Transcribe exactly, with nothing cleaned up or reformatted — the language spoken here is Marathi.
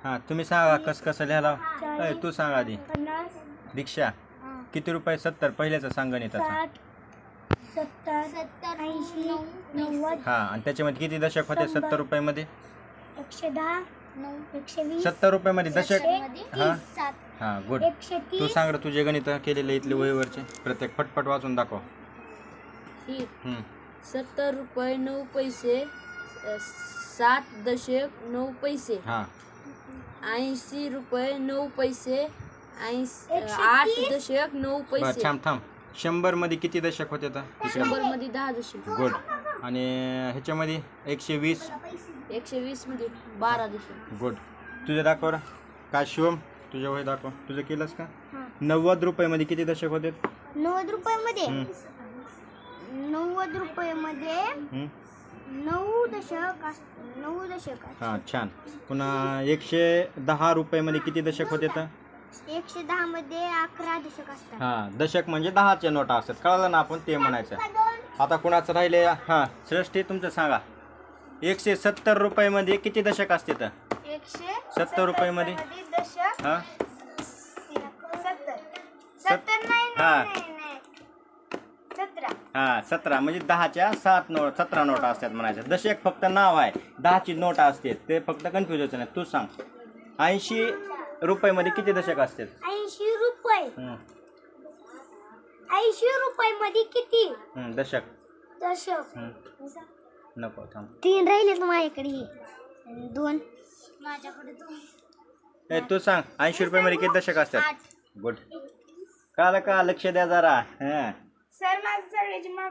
हां तुम्ही सांगा कसं कसं लिहायला. अय तू सांग आधी. पन्नास दीक्षा किती रुपये सत्तर पहिल्याचं सांगा नाही त्याचा. साठ सत्तर सत्तर ऐंशी नव्वद. हां आणि त्याच्यामध्ये किती दशक होते सत्तर रुपयामध्ये. एकशे दहा एकशे वीस सत्तर रुपयामध्ये दशक. हां हां गुड. एकशे तू तीस. सांग रे तुझे गणित केलेले इथले वहीवरचे प्रत्येक फटफट वाचून दाखव. हम्म. सत्तर रुपये नऊ पैसे अ, सात दशक नऊ पैसे हां ऐंशी रुपये नऊ पैसे ऐंशी एकशे आठ तीस. दशक नऊ बरं पैसे थांब थांब. शंभर मध्ये किती दशक होते तर शंभर मध्ये दहा दशक गुड. आणि ह्याच्यामध्ये एकशे वीस. एकशे वीस मध्ये बारा दशक गुड. तुझे दाखव रे. काय शिवम तुझ्या वही दाखव. तुझं केलंस का. हां. नव्वद रुपयामध्ये किती दशक होते. नव्वद रुपयामध्ये हम्म. नव्वद रुपयामध्ये हम्म. नऊ दशक अस- नऊ दशक असतात. हां छान. पुन्हा एकशे दहा रुपयामध्ये किती दशक होते तर. एकशे दहा मध्ये अकरा दशक असतात. हां दशक म्हणजे दहाचे नोटा असतात. कळलं ना आपण ते म्हणायचं. आता कुणाचं राहिले. हां श्रेष्ठी तुमचं सांगा. एकशे सत्तर रुपयामध्ये किती दशक असते तर. एकशे सत्तर रुपयामध्ये दशक हां सत्तर सत्तर नाही हां नाही नाही सतरा. हां सतरा म्हणजे दहाच्या सात नोट सतरा नोटा असतात म्हणायचं. दशक फक्त नाव आहे. दहाची नोटा असते ते फक्त कन्फ्युज व्हायचं नाही. तू सांग ऐंशी रुपयामध्ये किती दशक असतात. ऐंशी रुपये हं, ऐंशी रुपये मध्ये किती हं, दशक. दशक. हं. नको थांब. तीन राहिले माझ्याकडे. दोन माझ्याकडे दोन. ए तू सांग ऐंशी रुपयामध्ये किती दशक असतात. गुड. कळलं का लक्ष द्या जरा. हां सर माझं सगळ्याची